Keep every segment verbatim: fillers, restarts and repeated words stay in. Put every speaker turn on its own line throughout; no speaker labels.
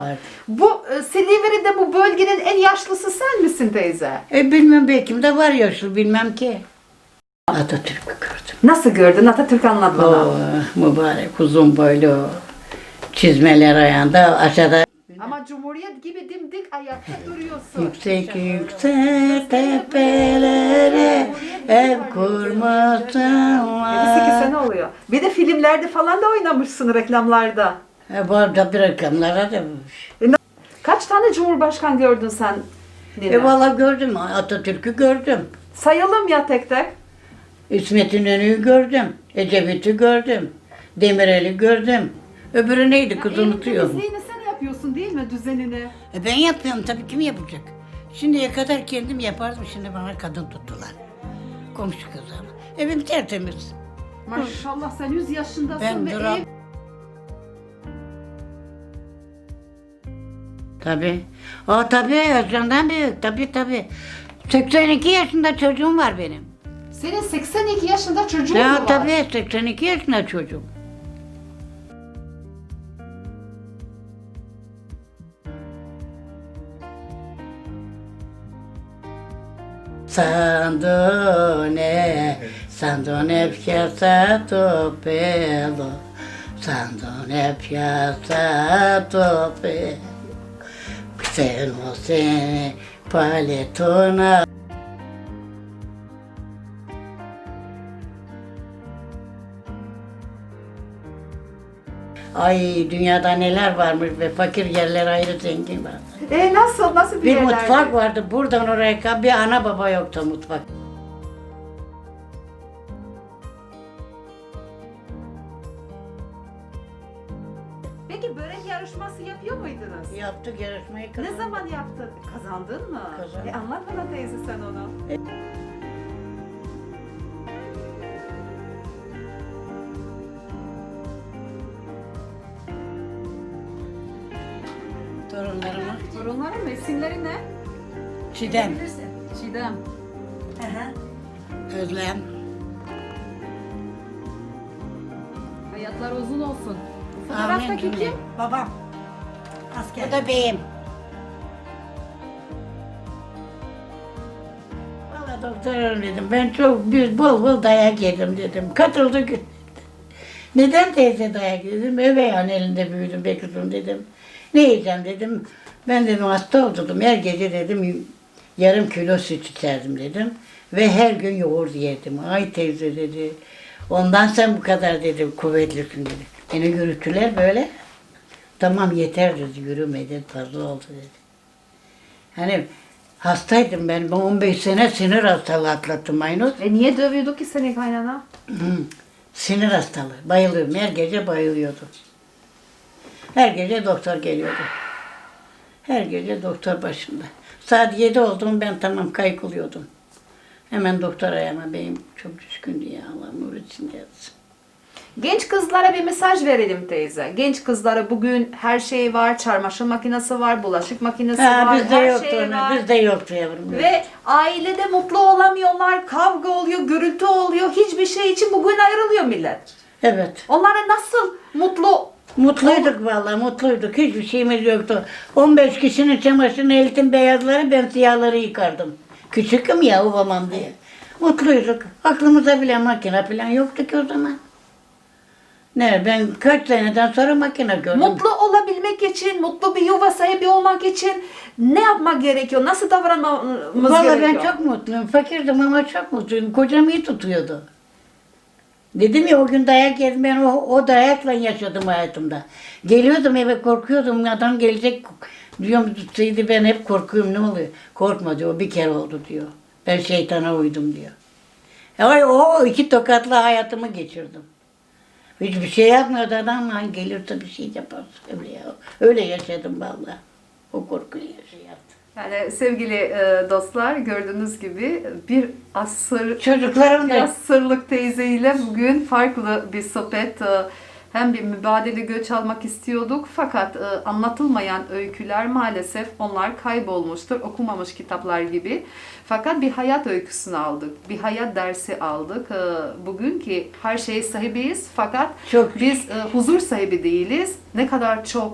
Var.
Bu e, Silivri'de bu bölgenin en yaşlısı sen misin teyze?
E bilmem belki de var yaşlı bilmem ki. Atatürk'ü gördüm.
Nasıl gördün? Atatürk anlat bana.
O mübarek uzun boylu çizmeler ayağında aşağıda.
Ama Cumhuriyet gibi dimdik ayakta duruyorsun.
Yüksek yüksek tepelere ev kurmasın
yedi sekiz
var.
sene oluyor. Bir de filmlerde falan da oynamışsın, reklamlarda.
E bu arada bir reklamlara da.
Kaç tane Cumhurbaşkan gördün sen? Nine?
E valla gördüm Atatürk'ü gördüm.
Sayalım ya tek tek.
İsmet İnönü'yü gördüm. Ecevit'i gördüm. Demirel'i gördüm. Öbürü neydi kız unutuyorum.
Temizliğini sen yapıyorsun değil mi, düzenini?
E ben yapıyorum tabii, kim yapacak? Şimdiye kadar kendim yapardım, şimdi bana kadın tuttular. Komşu kızı ama. Evim tertemiz.
Maşallah sen yüz yaşındasın
Ben
ve
duram.
ev...
Tabii. O tabii Özcan'dan büyük, tabii tabii. seksen iki yaşında çocuğum var benim.
Senin seksen iki yaşında çocuğun mu
Ya
var?
tabii seksen iki yaşında çocuğum. Sandone, sandone piazzato bello, sandone piazzato bello, se non se paletona. Ay dünyada neler varmış ve fakir yerler ayrı, zengin var.
E nasıl, nasıl bir
Bir
yerlerde?
mutfak vardı, buradan oraya kadar bir ana baba yoktu mutfak.
Peki börek yarışması yapıyor muydunuz?
Yaptık yarışmayı
Ne
kazandık.
zaman yaptın? Kazandın mı?
Kazandım.
E anlat bana teyze sen onu.
Torunlarıma.
Torunların mı? İsimleri ne?
Çiğdem,
Çiğdem.
Özlem,
Hayatlar uzun olsun. Bu
Amin
fotoğraftaki
cümle.
kim?
Babam. Asker.
o da beyim. Valla doktor dedim, ben çok bir bol bol dayak yedim dedim. Katıldı. Neden teyze dayak yedim? Üvey elinde büyüdüm be kızım dedim. Ne yiyeceğim dedim. Ben dedim hasta oldum. Her gece dedim yarım kilo süt içerdim dedim. Ve her gün yoğurt yerdim. Ay teyze dedi. Ondan sen bu kadar dedim kuvvetlisin dedi. Beni yürüttüler böyle. Tamam yeter dedi, yürüme dedi, fazla oldu dedi. Hani hastaydım ben, ben on beş sene sinir hastalığı atlattım Aynur.
E niye dövüyordu ki seni kaynana?
Hı, sinir hastalığı, bayılıyorum, her gece bayılıyordum. Her gece doktor geliyordu. Her gece doktor başımda. Saat yedi oldu ben tamam kaykılıyordum. Hemen doktor ayağıma, beyim çok düşkündü ya, Allah nur içinde yatsın.
Genç kızlara bir mesaj verelim teyze. Genç kızlara bugün her şey var, çamaşır makinesi var, bulaşık makinesi
Ha,
var,
bizde
her
yoktu
şey
onu,
var.
bizde yoktu yavrum.
Ve ailede mutlu olamıyorlar, kavga oluyor, gürültü oluyor. Hiçbir şey için bugün ayrılıyor millet.
Evet.
Onlara nasıl mutlu?
Mutluyduk vallahi, mutluyduk. Hiçbir şeyimiz yoktu. on beş kişinin çamaşırını eltim beyazları, ben siyahları yıkardım. Küçüküm ya, babam diye. Mutluyduk. Aklımıza bile makine falan yoktu ki o zaman. Ne, ben kaç seneden sonra makine gördüm.
Mutlu olabilmek için, mutlu bir yuva sahibi olmak için ne yapmak gerekiyor? Nasıl davranmamız
Vallahi
gerekiyor?
ben çok mutluyum. Fakirdim ama çok mutluyum. Kocam iyi tutuyordu. Dedim ya o gün dayak yedim, ben o, o dayakla yaşadım hayatımda. Geliyordum eve, korkuyordum, adam gelecek diyorum, tutsaydı ben hep korkuyorum, ne oluyor? Korkma diyor, bir kere oldu diyor. Ben şeytana uydum diyor. E, o iki tokatla hayatımı geçirdim. Hiçbir şey yapmıyordu adam, hani gelirse bir şey yapar. Öyle, ya. Öyle yaşadım vallahi. O korkuyu yaşadım.
Yani sevgili e, dostlar, gördüğünüz gibi bir asır
Çocuklarım
bir
da
asırlık teyzeyle bugün farklı bir sohbet, e, hem bir mübadele göç almak istiyorduk fakat e, anlatılmayan öyküler maalesef onlar kaybolmuştur, okumamış kitaplar gibi. Fakat bir hayat öyküsünü aldık, bir hayat dersi aldık. E, bugün ki her şeye sahibiyiz fakat
çok
biz e, huzur sahibi değiliz. Ne kadar çok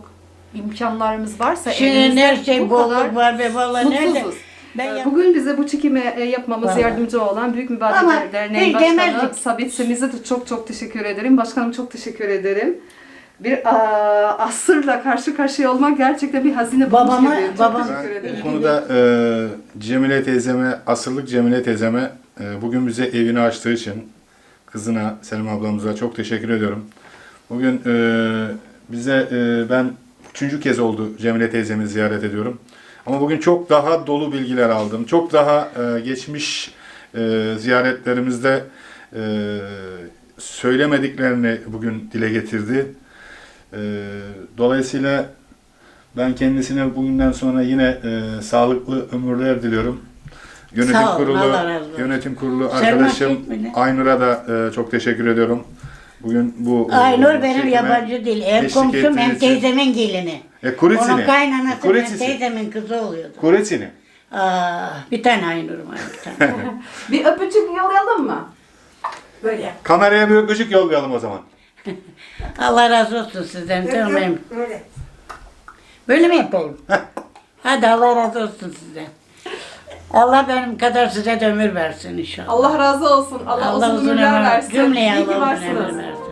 imkanlarımız varsa
Şimdi
elimizde
her şey
bu kadar
bolluk var be vallahi nerede?
mutsuzuz.
Ben
Ee,
yap-
Bugün bize bu çekimi e, yapmamız
Vallahi.
yardımcı olan Büyük Mübadele
Ama
Derneği
hiç
Başkanı
demezdik.
Sabit Semiz'e de çok çok teşekkür ederim. Başkanım çok teşekkür ederim. Bir aa, asırla karşı karşıya olmak gerçekten bir hazine bulmuş
Babama-
gibi. Çok
babam-
teşekkür ederim.
Bu konuda e, Cemile teyzeme, asırlık Cemile teyzeme e, bugün bize evini açtığı için kızına, Selim ablamıza çok teşekkür ediyorum. Bugün e, bize e, ben üçüncü kez oldu Cemile teyzemi ziyaret ediyorum. Ama bugün çok daha dolu bilgiler aldım. Çok daha e, geçmiş e, ziyaretlerimizde e, söylemediklerini bugün dile getirdi. E, dolayısıyla ben kendisine bugünden sonra yine e, sağlıklı ömürler diliyorum. Yönetim
Sağ olun,
kurulu,
Allah razı olsun.
yönetim kurulu
Selma
arkadaşım
Çekmeli.
Aynur'a da e, çok teşekkür ediyorum. Bugün bu e,
Aynur benim
çekime
yabancı değil. Hem
eşlik
komşum hem
ettiğiniz için-
teyzemin gelini.
E, Kuritsini.
Onun kaynanası hem
Kuritsisi.
teyzemin kızı oluyordu.
Kuritsini.
Aa, bir tane Aynur'um var bir tane.
Bir öpücük yollayalım mı?
Böyle yap.
Kameraya bir öpücük yollayalım o zaman.
Allah razı olsun sizden. Tamam.
Böyle.
Böyle mi yapalım? Hadi Allah razı olsun sizden. Allah benim kadar size de ömür versin inşallah.
Allah razı olsun. Allah, uzun ömürler versin.
Cümleye
İyi ki
Allah uzun
varsınız.
ömür versin.